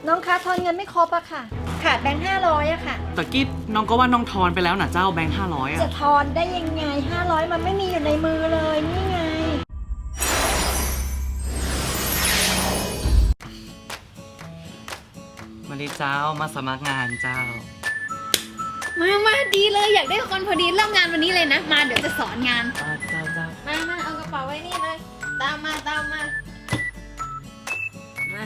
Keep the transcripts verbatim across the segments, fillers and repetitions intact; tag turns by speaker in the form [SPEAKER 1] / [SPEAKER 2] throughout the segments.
[SPEAKER 1] น้องคะทอนเงินไม่ครบอะค่ะขาดแบงค์ห้าร้อยอะค่ะ
[SPEAKER 2] ตะกี้น้องก็ว่าน้องทอนไปแล้วนะเจ้าแบงค์ห้าร้อยอะ
[SPEAKER 1] จะทอนได้ยังไงห้าร้อยมันไม่มีอยู่ในมือเลยนี่ไง
[SPEAKER 2] มาดิเจ้ามาสมัครงานเจ้า
[SPEAKER 3] มามาดีเลยอยากได้คนพอดีเริ่มงานวันนี้เลยนะ มาเดี๋ยวจะสอนงาน
[SPEAKER 2] อ่าเจ้าเจ้า
[SPEAKER 3] มามาเอากระเป๋าไว้นี่เลย ตามมาตามมา มา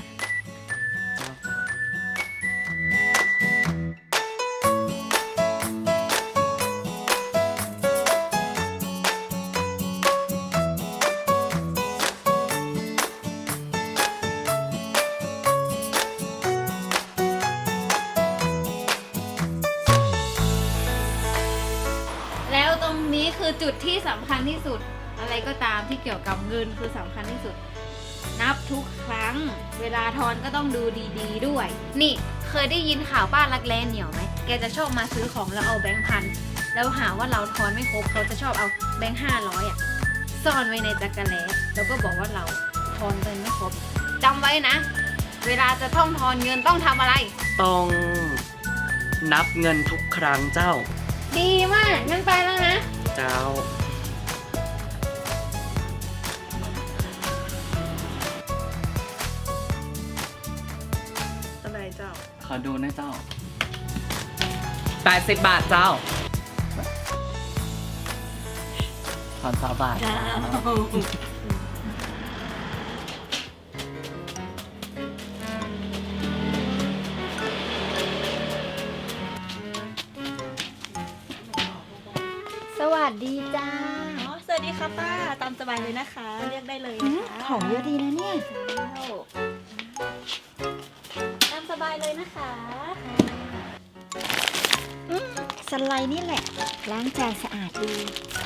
[SPEAKER 3] แล้วตรงนี้คือจุดที่สำคัญที่สุด อะไรก็ตามที่เกี่ยวกับเงินคือสำคัญที่สุด นับทุกครั้ง เวลาทอนก็ต้องดูดีๆด้วย นี่เคยได้ยินข่าวป้ารักแร้เหนียวไหม แกจะชอบมาซื้อของแล้วเอาแบงค์พัน แล้วหาว่าเราทอนไม่ครบเขาจะชอบเอาแบงค์ห้าร้อยอ่ะซ่อนไว้ในจักรแล้แล้วก็บอกว่าเราทอนเงินไม่ครบจำไว้นะ เวลาจะต้องทอนเงินต้องทำอะไร
[SPEAKER 2] ต้องนับเงินทุกครั้งเจ้า
[SPEAKER 3] ดีมากงั้นไปแล้วนะ
[SPEAKER 2] เจ้า
[SPEAKER 1] อะไรเจ้า
[SPEAKER 2] ขอดูนะเจ้าแปดสิบบาทเจ้าถอนสามบาทเจ้า
[SPEAKER 1] สวัสดีจ้า
[SPEAKER 4] อ๋อสวัสดีค่ะป้าตามสบายเลยนะคะ เรียกได้เลยนะคะ
[SPEAKER 1] ของเยอะดีนะเนี่ย
[SPEAKER 4] ตามสบายเลยนะคะ
[SPEAKER 1] อืมสไลด์นี่แหละ ล้างจานสะอาดดี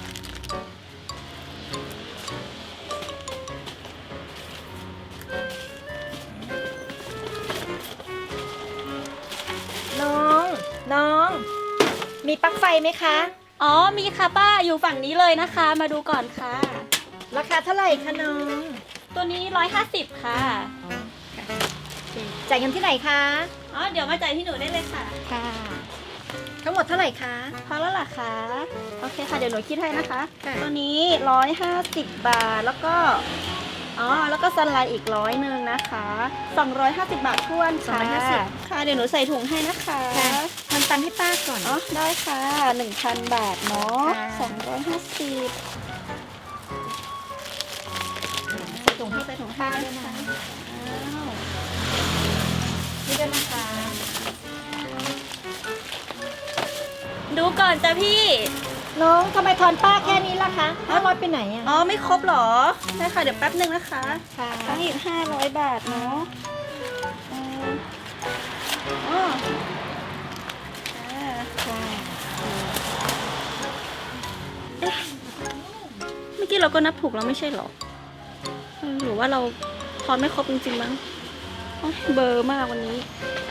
[SPEAKER 1] น้อง น้อง มีปลั๊กไฟไหมคะ
[SPEAKER 4] อ๋อมีค่ะป้าอยู่ฝั่งนี้เลยนะคะ มาดูก่อนค่ะ
[SPEAKER 1] ราคาเท่าไหร่คะน้อง
[SPEAKER 4] ตัวนี้ร้อยห้าสิบค่ะ
[SPEAKER 1] จ่ายเงินที่ไหนคะ
[SPEAKER 4] อ๋อเดี๋ยวมาจ่ายที่หนูได้เลยค่ะ
[SPEAKER 1] ค่ะ ทั้งหมดเท่าไหร่คะ
[SPEAKER 4] พอแล้วล่ะคะโอเคค่ะเดี๋ยวหนูคิดให้นะคะ
[SPEAKER 1] ค่ะ
[SPEAKER 4] ตัวนี้ร้อยห้าสิบบาทแล้วก็อ๋อแล้วก็สไลด์อีกร้อยหนึ่งนะคะสองร้อยห้าสิบบาททวนค่ะค่ะเดี๋ยวหนูใส่ถุงให้นะคะ
[SPEAKER 1] ค่ะทำตังค์ให้ป้าก่อน
[SPEAKER 4] อ๋อได้ค่ะหนึ่งพันบาทเนาะ
[SPEAKER 1] ค่ะ
[SPEAKER 4] สองร้อยห้าสิบ
[SPEAKER 1] ใส่ถุงให้
[SPEAKER 4] ใส่ถุงผ้าด้วยนะคะอ้าว
[SPEAKER 1] นี่ด้วยนะคะ
[SPEAKER 4] ดูก่อนจ้ะพี่
[SPEAKER 1] น้องทำไมทอนป้าแค่นี้ล่ะคะห้าร้อยไปไหนอ่ะ
[SPEAKER 4] อ๋อไม่ครบเหรอได้ค่ะเดี๋ยวแป๊บหนึ่งนะคะ
[SPEAKER 1] ค่ะ
[SPEAKER 4] ตั้งอีกห้าร้อยบาทเนาะเอ่ออ๋ออ่า
[SPEAKER 1] ค่ะ
[SPEAKER 4] เอ๊ะเมื่อกี้เราก็นับถูกแล้วไม่ใช่เหรอเออหรือว่าเราทอนไม่ครบจริงๆมั้งโอ๊ยเบลอร์มากวันนี้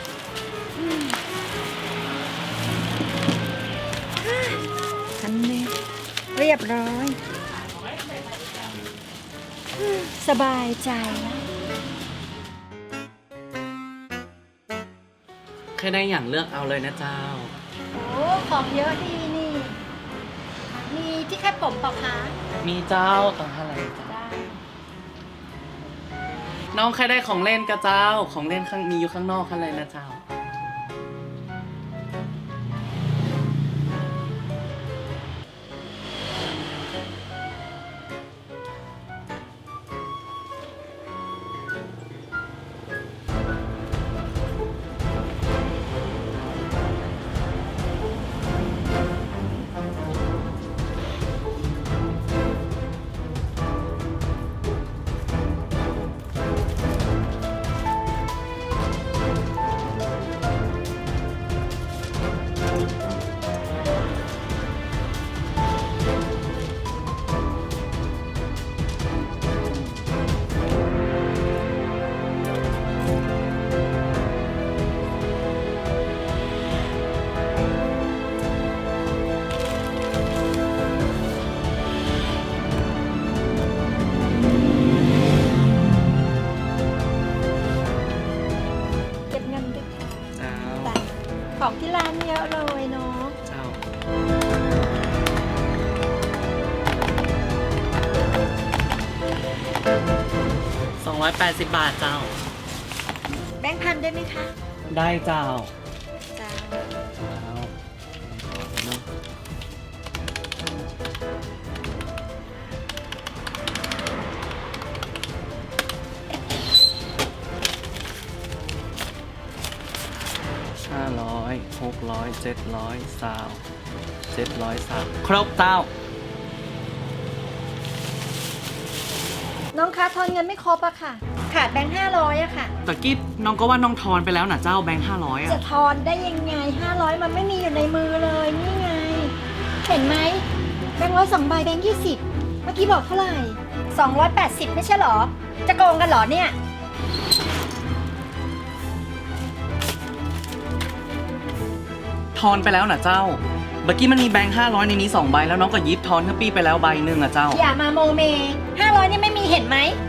[SPEAKER 1] ทันเลยเรียบร้อยอืมสบายใจแล้ว
[SPEAKER 2] แค่ได้อย่างเลือกเอาเลยนะเจ้า
[SPEAKER 1] โอ้ของเยอะดีนี่ มีที่แค่ผมเปล่าคะ
[SPEAKER 2] มีเจ้าต้องเท่าไหร่เจ้า
[SPEAKER 1] ได้
[SPEAKER 2] น้องใครได้ของเล่นกับเจ้า ของเล่นข้างมีอยู่ข้างนอกข้างเลยนะเจ้า
[SPEAKER 1] ของที่ร้านเยอะเลยเนาะ
[SPEAKER 2] เจ้าสองร้อยแปดสิบบาทเจ้า
[SPEAKER 1] แบงค์พันได้ไหมคะ
[SPEAKER 2] ได้เจ้า
[SPEAKER 1] จ้า
[SPEAKER 2] เจ้าเนอะห้าร้อยหกร้อยเจ็ดร้อยสาวเจ็ดร้อยสามครบเจ้า
[SPEAKER 1] น้องคะทอนเงินไม่ครบอะค่ะ ขาดแบงค์ห้าร้อยอะค่ะ
[SPEAKER 2] ตะกี้น้องก็ว่าน้องทอนไปแล้วนะเจ้าแบงค์ห้าร้อยอ่ะ
[SPEAKER 1] จะทอนได้ยังไงห้าร้อยมันไม่มีอยู่ในมือเลยนี่ไง เห็นไหมแบงค์ร้อยสองใบแบงค์ยี่สิบเมื่อกี้บอกเท่าไหร่สองร้อยแปดสิบไม่ใช่เหรอ จะโกงกันเหรอเนี่ย
[SPEAKER 2] ทอนไปแล้วนะเจ้าเมื่อกี้มันมีแบงค์ห้าร้อยในนี้สองใบแล้วน้องก็ยิบทอนขึ้นปี้ไปแล้วใบหนึ่งอ่ะเจ้า
[SPEAKER 1] อย่ามาโมเมห้าร้อยนี่ไม่มีเห็นไหม